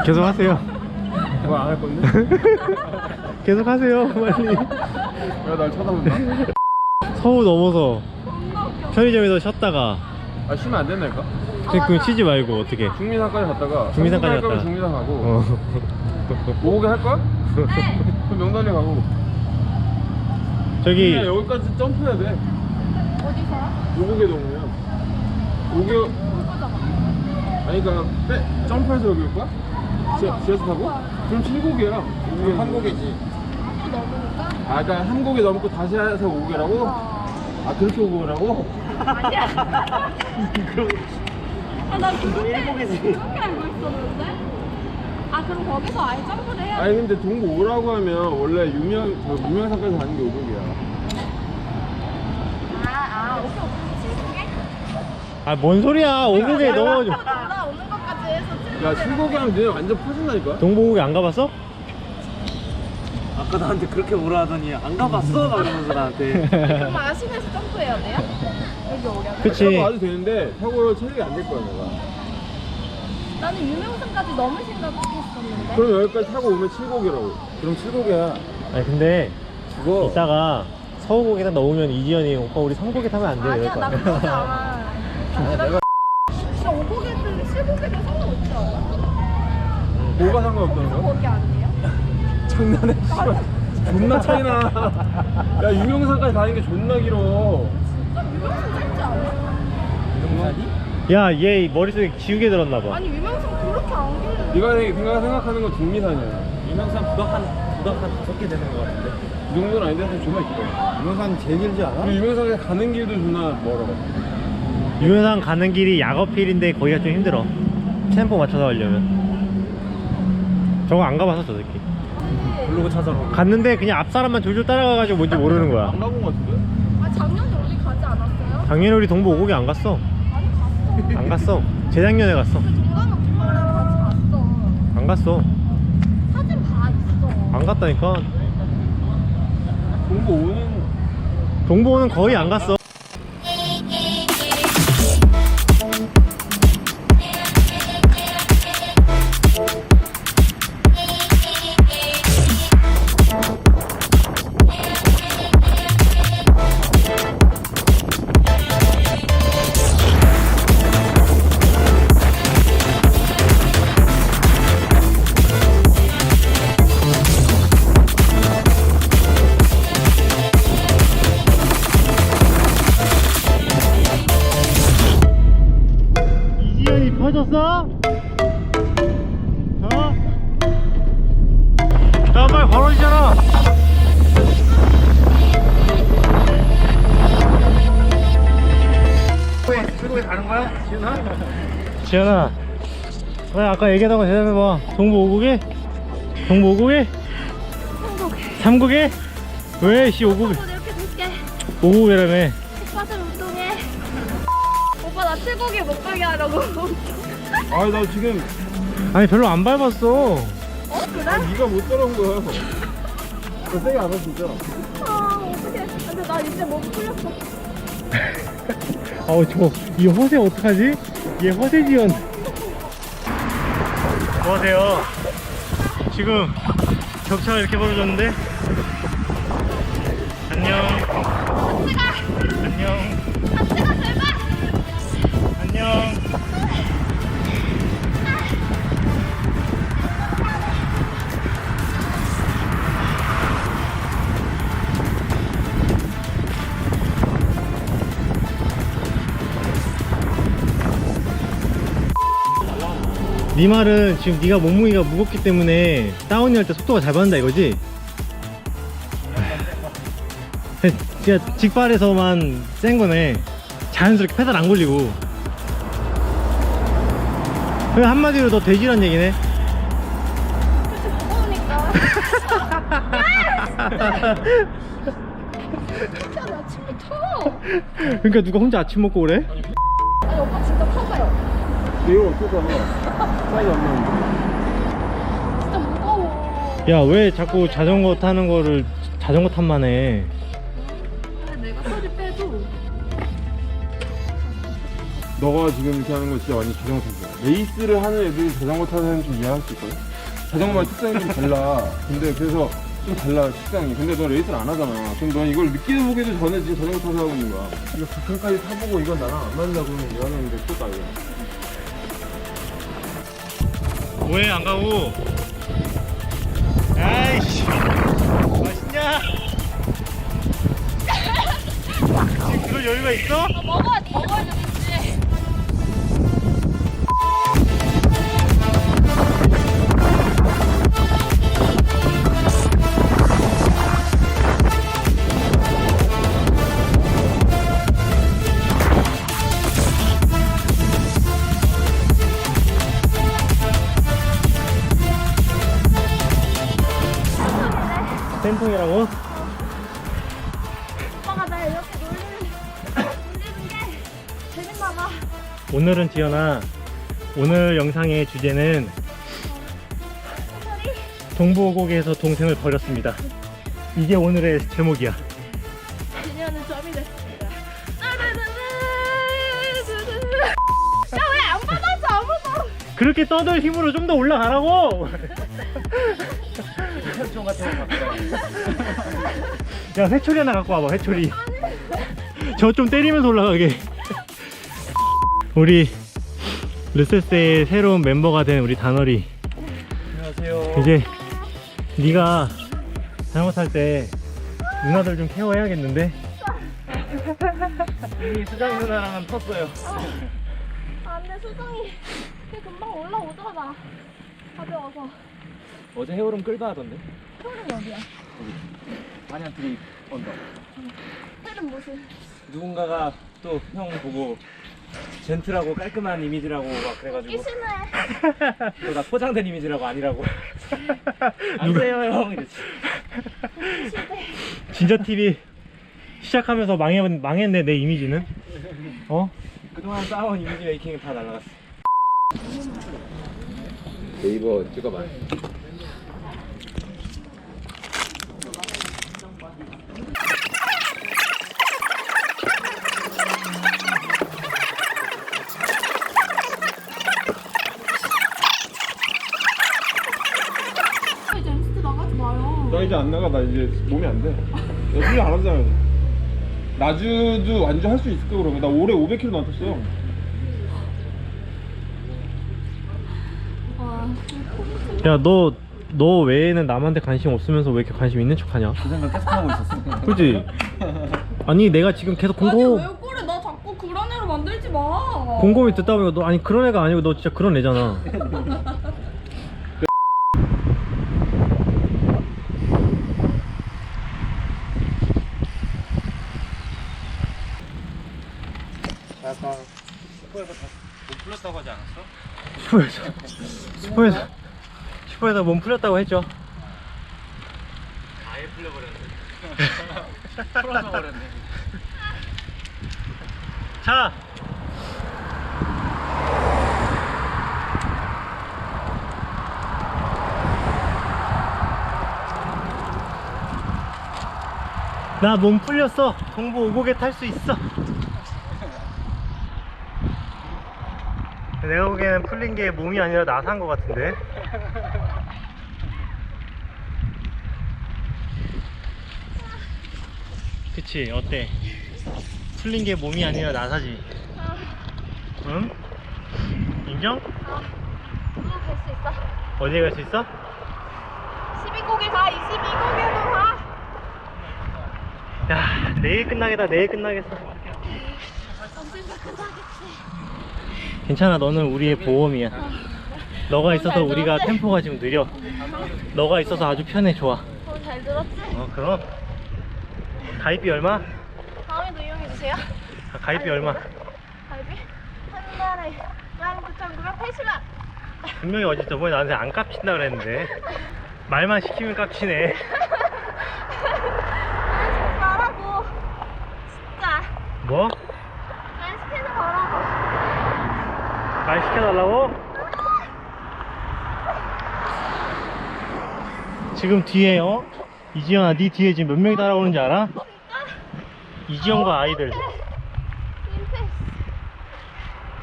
계속 하세요. 뭐 안 할 건데? 계속 하세요 빨리. 왜 날 쳐다본다? 서우 넘어서 편의점에서 쉬었다가 아 쉬면 안 된다니까? 그럼 쉬지 말고 어떻게 중미산까지 갔다가 중미산까지 할 거면 갔다가. 중미산 가고 오게 할 거야? 네. 그럼 명단에 가고 저기 그냥 여기까지 점프해야 돼. 어디서요? 오게 동이면 오게 아니 그니까 점프해서 여기 올 거야? 지하철 타고? 그럼 7곡이야. 한 곡이지. 또 넘으니까? 아 그니까 한 곡이 넘고 다시 해서 오게라고? 아 그렇게 오게라고? 아니야. 아, 나 그렇게 알고 있었는데? 아, 그럼 거기서 아예 점프를 해야 돼? 아니 근데 동부 오라고 하면 원래 유명산까지 가는 게 5곡이야. 오케이, 오케이. 7곡에? 아 뭔 소리야 오곡에 넣어. 올라오는 것까지 해서 7곡에. 야 7곡이 하면 너네 완전 퍼진다니까? 동보곡에 안 가봤어? 아까 나한테 그렇게 뭐라 하더니 안 가봤어? 막 이러면서 나한테. 그럼 아시면서 점프해야 돼요? 여기 오려면? 그치. 타고 와도 되는데 타고 체력이 안 될 거야 내가. 나는 유명산까지 넘을 생각했었는데. 그럼 여기까지 타고 오면 7곡이라고. 그럼 7곡이야. 아니 근데 죽어. 이따가 서우곡에다 넣으면 이지연이 오빠 우리 3곡에 타면 안 돼 이럴 아니야, 거 나 아니야. 그러지 않아. 내가 진짜 5곡에든 7곡에든 상관없지 않아? 뭐가 상관없다는 거야? 거기 아니에요? 장난해. 씨발. 존나 차이나. 야 유명산까지 가는 게 존나 길어. 진짜 유명산 짧지 않아? 유명산이? 야 얘 머릿속에 지우개 들었나봐. 아니 유명산 그렇게 안 길어. 네가 생각하는 건 중미산이야. 유명산 부덕 한 5개 되는 것 같은데. 이 정도는 아닌데 좀 존나 길어. 유명산 제일 길지 않아? 그리고 유명산에 가는 길도 존나 멀어. 유명산 가는 길이 약어필인데 거기가 좀 힘들어. 템포 맞춰서 가려면. 저거 안 가봤어 저 새끼. 블로그 찾아러. 갔는데 그냥 앞 사람만 졸졸 따라가가지고 뭔지 모르는 거야. 안 가본 거 같은데? 아 작년에 우리 가지 않았어요? 작년에 우리 동부 오곡에 안 갔어. 아니 갔어. 안 갔어. 재작년에 갔어. 그 동강 오빠랑 같이 갔어. 안 갔어. 사진 봐 있어. 안 갔다니까. 동부 오는 동부는 거의 안 갔어. 이지연이 펴졌어? 어? 나 빨리 걸어지잖아. 출국에 가는 거야? 지은아? 지연아, 왜 아까 얘기하던 거 대답해봐. 동부 오곡에? 동부 오곡에? 3곡에? 왜? 씨 오곡에? 이렇게 줄게. 오곡이라며. 오빠들 운동해. 오빠 나 7곡에 못 가게 하려고. 아니 나 지금 아니 별로 안 밟았어. 그래? 네가 못 따라온 거야. 너 세게 안 와 진짜. 아 어떡해. 근데 나 이제 몸 풀렸어. 이 허세 어떡하지? 얘 허세 지연. 뭐하세요? 지금 격차가 이렇게 벌어졌는데? 안녕. 안녕. 같이 가 제발. 안녕. 네 말은 지금 네가 몸무게가 무겁기 때문에 다운이 할 때 속도가 잘 받는다 이거지? 진짜 직발에서만 센 거네. 자연스럽게 페달 안 걸리고. 그냥 한마디로 너 돼지란 얘기네. 그치 무거우니까. 진짜 나 침이 터. 그러니까 누가 혼자 아침 먹고 그래? 아니 오빠 진짜 터져요. 이거 어떡하나. 사이즈 안 나는데. 진짜 무거워. 야 왜 자꾸 자전거 타는 거를 자전거 탓만 해. 근데 내가 소리 빼도 너가 지금 이렇게 하는 거 진짜 완전 자전거 타기야. 레이스를 하는 애들이 자전거 타는 애는 좀 이해할 수 있거든. 자전거만 특성이 좀 달라. 근데 그래서 좀 달라 특성이. 근데 너 레이스를 안 하잖아. 그럼 넌 이걸 느끼도 보기도 전에 지금 자전거 타서 하고 있는 거야. 이거 부평까지 타보고 이건 나랑 안 맞나 그러면 이거는 이제 또 따위야. 왜 안 가고? 아이씨, 맛있냐? 지금 그럴 여유가 있어? 먹어야 되겠지. 쌤통이라고? 오빠가 나 이렇게 놀리는 게 재밌나 봐. 오늘은 지연아, 오늘 영상의 주제는 동부고개에서 동생을 버렸습니다. 이게 오늘의 제목이야. 그녀는 점이 됐습니다. 야, 왜 안 받아줘, 아무도? 그렇게 떠들 힘으로 좀 더 올라가라고! 야, 회초리 하나 갖고 와봐, 회초리. 저 좀 때리면서 올라가게. 우리 르세스의 새로운 멤버가 된 우리 단월이. 안녕하세요. 이제 네가 자전거 탈 때 누나들 좀 케어해야겠는데? 이미 수정 누나랑은 텄어요. 아, 근데 수정이 걔 금방 올라오잖아. 가벼워서. 어제 해오름 끌다 하던데. 소름이 어디야? 마냥 드립 언더. 헬은 무슨? 누군가가 또 형 보고 젠틀하고 깔끔한 이미지라고 막 그래가지고 끼시네. 또 나 포장된 이미지라고 아니라고. 안 돼요 형 이랬지. 진짜 TV 시작하면서 망했네, 내 이미지는. 어? 그동안 쌓아온 이미지 메이킹이 다 날라갔어. 네이버 찍어봐. 이제 MCT 나가지 마요. 나 이제 안 나가. 나 이제 몸이 안 돼. 나 훈련 안 하잖아. 나주도 완주 할 수 있을까 그러면? 나 올해 500km 넘었어. 와, 야, 너 외에는 남한테 관심 없으면서 왜 이렇게 관심 있는 척 하냐? 그 생각 계속 하고 있었어. 그지? 아니, 내가 지금 계속 아니 왜 그래? 나 자꾸 그런 애로 만들지 마. 곰곰이 듣다 보니까 너, 아니, 그런 애가 아니고 너 진짜 그런 애잖아. 약간 슈퍼에서 못 풀렸다고 하지 않았어? 슈퍼에서 몸 풀렸다고 했죠. 아예 풀려버렸네. 풀어서 버렸네. 자, 나 몸 풀렸어. 동부 오곡에 탈 수 있어. 내가 보기에는 풀린 게 몸이 아니라 나사인 것 같은데. 그치, 어때? 풀린 게 몸이 아니라 나사지. 응? 인정? 그거 될 수 있어. 어디에 갈 수 있어? 12곡에 가. 22곡에도 가. 야, 내일 끝나겠다. 내일 끝나겠어. 언젠가 끝나겠지. 괜찮아, 너는 우리의 보험이야. 너가 있어서 우리가 템포가 지금 느려. 너가 있어서 아주 편해. 좋아. 잘 들었지? 그럼 가입비 얼마? 다음에도 이용해주세요. 가입비 얼마? 갈비? 한 달에 19,980원. 분명히 어제 저번에 나한테 안 깝친다 그랬는데 말만 시키면 깝치네. 말하고 진짜 뭐? 말 시켜서 말하고. 말 시켜달라고? 지금 뒤에 이지연아, 네 뒤에 지금 몇 명이 따라오는지 알아? 진짜? 이지연과 아이들. 민폐.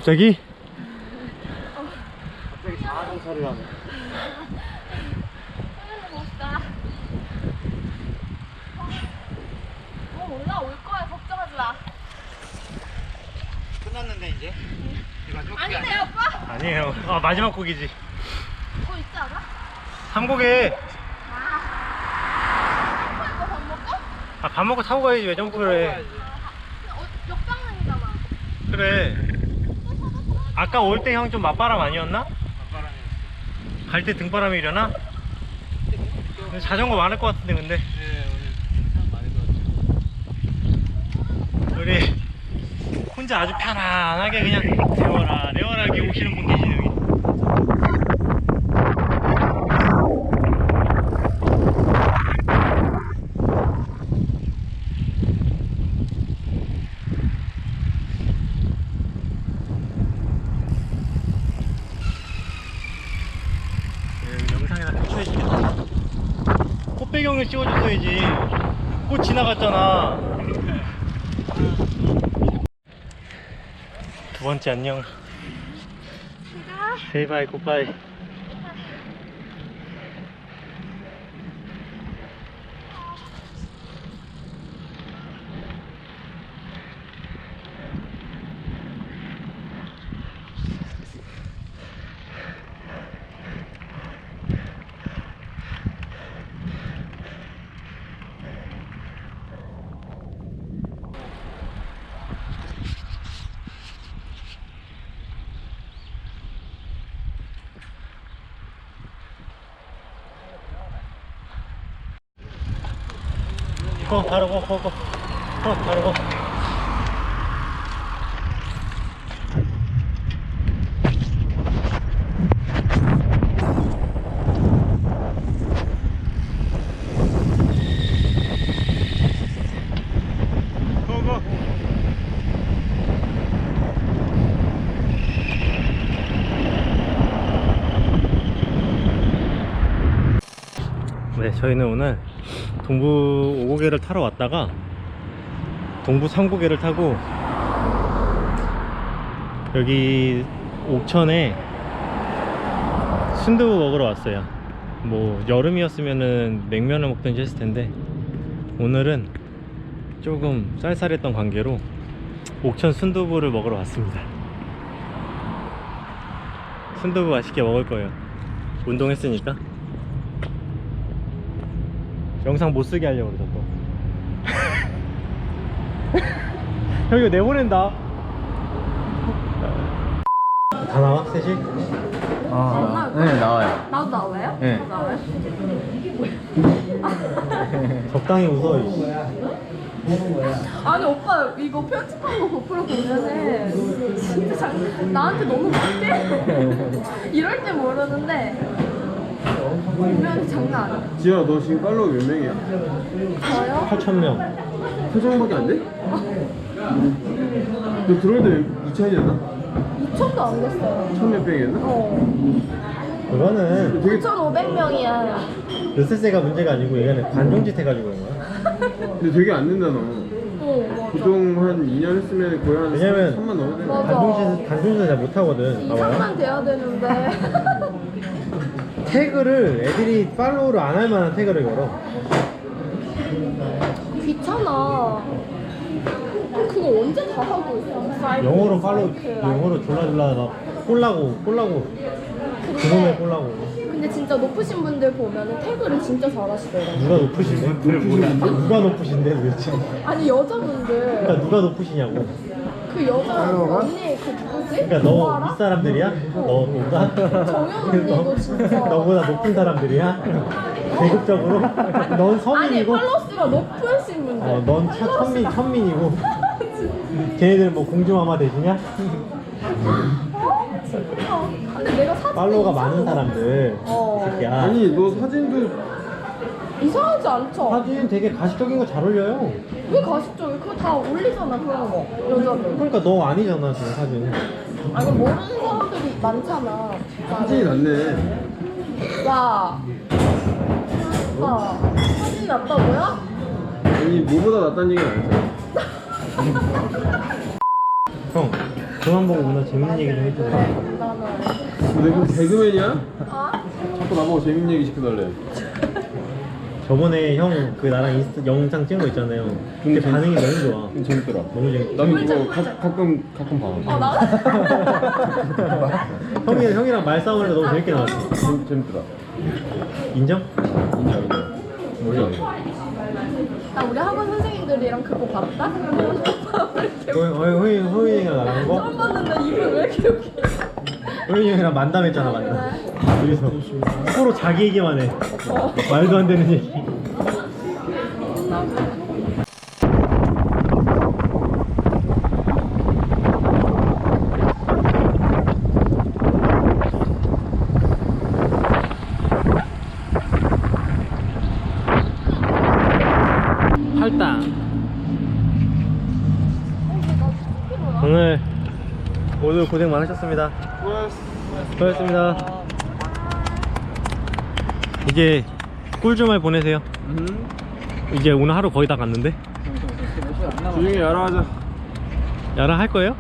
갑자기? 갑자기 자아정찰을 하네. 멋있다. 올라올 거야. 걱정하지 마. 끝났는데 이제? 아니네 오빠. 아니에요. 아, 마지막 곡이지. 뭐 있지 않아? 3곡에 이거 밥 먹고? 아, 밥 먹고 타고 가야지. 왜 점프를 해? 역방향이잖아. 그래. 아까 올 때 형 좀 맞바람 아니었나? 갈 때 등바람이 일어나? 근데 자전거 많을 것 같은데 근데 네, 오늘 많이 우리 혼자 아주 편안하게 그냥 레워라 레워라하게 오시는 분 계시네 여기. 영상에다 캡처해주겠다. 꽃 배경을 찍어줬어야지. 꽃 지나갔잖아. 두 번째 안녕. 세이바이 굿바이. 바로 고 바로 고. 고고. 네, 저희는 오늘 동부 5고개를 타러 왔다가 동부 3고개를 타고 여기 옥천에 순두부 먹으러 왔어요. 뭐 여름이었으면은 냉면을 먹든지 했을 텐데 오늘은 조금 쌀쌀했던 관계로 옥천 순두부를 먹으러 왔습니다. 순두부 맛있게 먹을 거예요. 운동했으니까. 영상 못 쓰게 하려고 그러죠 또. 형 이거 내보낸다. 다 나와? 셋이? 네, 나와요. 나도 나와요? 네. 나도 나와요? 적당히 웃어. 이씨. 아니 오빠 이거 편집한 거 고프로 보면은 진짜 나한테 너무 못해. 이럴 때 모르는데 보면 장난 아니야. 지현아 너 지금 팔로워 몇 명이야? 저요? 8,000명. 표정밖에 안 돼? 너 들어올 때 2천이었나? 2천도 안 됐어요. 1,000몇 명이었나? 그거는 되게 9,500명이야. 르세세가 문제가 아니고 얘는 관종짓 해가지고 그런 거야. 근데 되게 안 된다 너. 맞아. 보통 한 2년 했으면 거의 한 왜냐면 3만 넘어야 돼. 맞아. 관종짓을 잘 못하거든. 봐봐요. 2,000만 돼야 되는데. 태그를 애들이 팔로우를 안 할 만한 태그를 걸어. 귀찮아. 그거 언제 다 하고 있어? 영어로 팔로우, 영어로 졸라졸라 막 꼴라고 그놈의 꼴라고. 근데 진짜 높으신 분들 보면은 태그를 진짜 잘하시더라고. 누가 높으신데? 누가 높으신데 도대체? 아니 여자분들 그러니까 누가 높으시냐고. 그 여자 언니 그 누구지? 그러니까 너 너 알아? 윗사람들이야? 너보다? 정연 언니도 진짜. 너보다 높은 사람들이야? 계급적으로? 넌 아니 서민이고 팔로스가 높으신 분들. 넌 천민이고 걔네들 뭐 공주마마 되시냐? 진짜. 근데 내가 사진 팔로워가 많은 사람들 새끼야. 아니 너 사진도 이상하지 않죠? 사진 되게 가식적인 거 잘 올려요. 왜 가식적이? 그거 다 올리잖아 그런 거 여자들. 그러니까 너 아니잖아 지금 사진. 아니 모르는 사람들이 많잖아. 사진이 낫네. 야, 오빠 사진 낫다고요? 아니 뭐보다 낫다는 얘기는 아니잖아. 형 그만 보고 누나 재밌는 얘기 좀 해줘. 너 이거 개그맨이야? 자꾸 나보고 재밌는 얘기 시켜달래. 저번에 형 그 나랑 인스타 영상 찍은 거 있잖아요. 근데 반응이 너무 좋아. 재밌더라. 너무 재밌. 나도 이거 가끔 봐. 형이랑 말싸움을 너무 재밌게 나왔어. 재밌더라. 인정? 인정. 나 우리 학원 선생님들이랑 그거 봤다? 호인이랑 나랑 한 거? 처음 봤는데 입을 왜 이렇게 여기 호인이 형이랑 만담했잖아 만담. 여기서 서로 자기 얘기만 해. 말도 안 되는 얘기. 팔당. 오늘 고생 많으셨습니다. 수고하셨습니다. 이제 꿀주말 보내세요. 이제 오늘 하루 거의 다 갔는데. 조용히 야라하자. 야랑 할 거예요?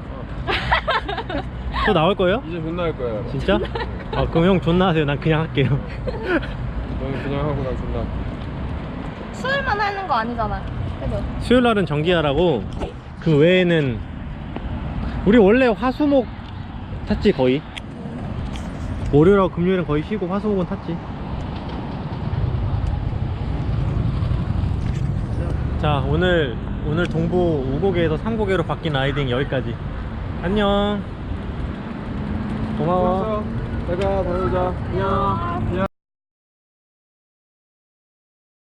또 나올 거예요? 이제 존나 할 거야. 진짜? 아 그럼 형 존나 하세요. 난 그냥 할게요. 너는 그냥 하고 난 존나. 수요일만 하는 거 아니잖아. 그죠? 수요일 날은 정기야라고. 그 외에는 우리 원래 화수목 탔지 거의. 월요일하고 금요일은 거의 쉬고 화수목은 탔지. 자 오늘 동부 5고개에서 3고개로 바뀐 라이딩 여기까지. 안녕. 고마워. 내가 다녀오자. 안녕.